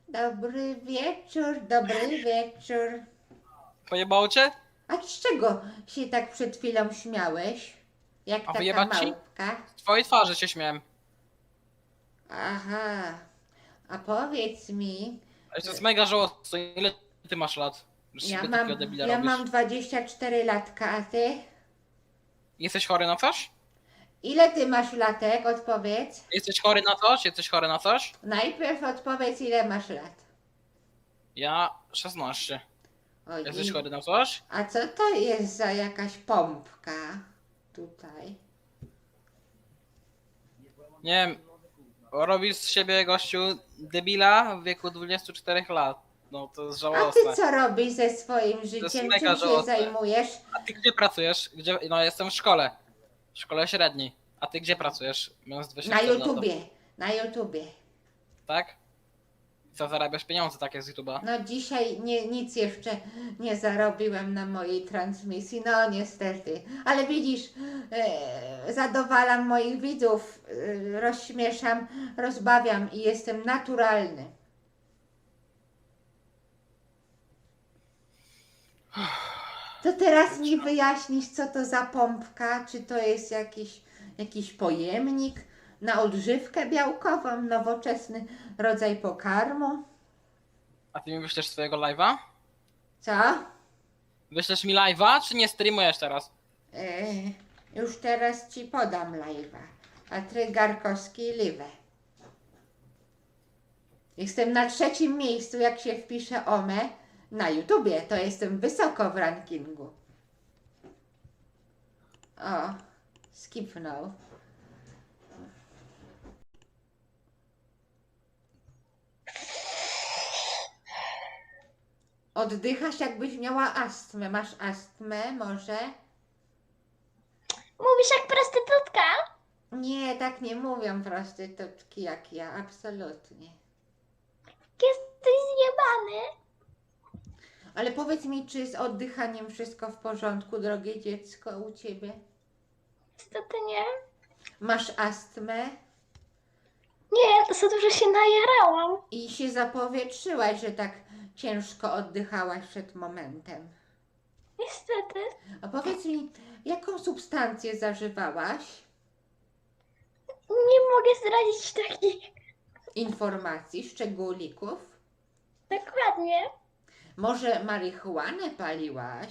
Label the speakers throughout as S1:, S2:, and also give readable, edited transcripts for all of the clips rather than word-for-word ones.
S1: Dobry wieczór, dobry wieczór.
S2: Pojebało cię?
S1: A z czego się tak przed chwilą śmiałeś? Jak
S2: A
S1: taka
S2: wyjebać ci?
S1: małpka?
S2: Z twojej twarzy się śmiałem.
S1: Aha, a powiedz mi,
S2: Ale to jest mega żałosne. Ile ty masz lat? Że z
S1: ja
S2: siebie
S1: mam,
S2: takiego debila
S1: ja
S2: robisz.
S1: mam 24 latka, a ty?
S2: Jesteś chory na coś?
S1: Ile ty masz latek? Odpowiedz.
S2: Jesteś chory na coś? Jesteś chory na coś?
S1: Najpierw odpowiedz, ile masz lat.
S2: Ja 16.
S1: Oj,
S2: Jesteś chory na coś?
S1: a co to jest za jakaś pompka tutaj?
S2: Nie wiem. Robisz z siebie gościu debila w wieku 24 lat. No to jest
S1: A
S2: żałosne.
S1: ty co robisz ze swoim
S2: jest
S1: życiem?
S2: mega
S1: Czym się
S2: żałosne.
S1: zajmujesz?
S2: A ty gdzie pracujesz? Gdzie? No jestem w szkole. W szkole średniej. A ty gdzie pracujesz? Mając
S1: Na
S2: 24 lat.
S1: YouTubie, na YouTubie.
S2: Tak? Co, zarabiasz pieniądze takie z YouTube'a?
S1: No dzisiaj nic jeszcze nie zarobiłem na mojej transmisji, no niestety. Ale widzisz, zadowalam moich widzów, rozśmieszam, rozbawiam i jestem naturalny. To teraz mi wyjaśnisz, co to za pompka, czy to jest jakiś pojemnik na odżywkę białkową, nowoczesny rodzaj pokarmu?
S2: A ty mi wyślesz swojego live'a?
S1: Co?
S2: Wyślesz mi live'a, czy nie streamujesz teraz?
S1: Już teraz ci podam live'a. Patryk Garkowski live. Jestem na 3. miejscu, jak się wpisze OME na YouTubie. To jestem wysoko w rankingu. O, skipnął. Oddychasz, jakbyś miała astmę. Masz astmę może?
S3: Mówisz jak prostytutka?
S1: Nie, tak nie mówią prostytutki jak ja, absolutnie.
S3: Jesteś zjebany.
S1: Ale powiedz mi, czy z oddychaniem wszystko w porządku, drogie dziecko, u ciebie?
S3: Niestety nie.
S1: Masz astmę
S3: Nie, to za dużo się najarałam.
S1: i się zapowietrzyłaś, że tak ciężko oddychałaś przed momentem.
S3: Niestety.
S1: A powiedz mi, jaką substancję zażywałaś?
S3: Nie mogę zdradzić takich.
S1: Informacji, szczególików?
S3: Dokładnie.
S1: Może marihuanę paliłaś?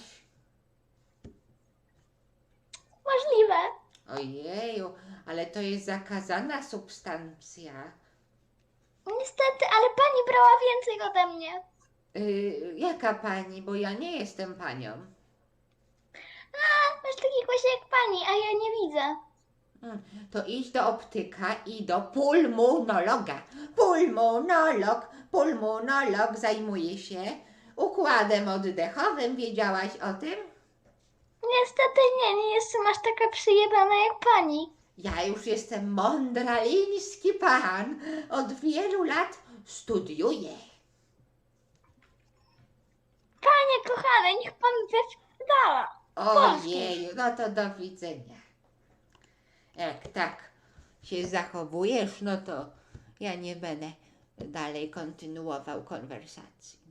S3: Możliwe.
S1: Ojeju, ale to jest zakazana substancja.
S3: Niestety, ale pani brała więcej ode mnie.
S1: Jaka pani? Bo ja nie jestem panią.
S3: A, masz taki głos jak pani, a ja nie widzę.
S1: To idź do optyka i do pulmonologa. Pulmonolog zajmuje się układem oddechowym. Wiedziałaś o tym?
S3: Niestety nie jestem aż taka przyjebana jak pani.
S1: Ja już jestem mądraliński pan. Od wielu lat studiuję.
S3: Panie kochane, niech pan wypierdala.
S1: Ojej, no to do widzenia. Jak tak się zachowujesz, no to ja nie będę dalej kontynuował konwersacji.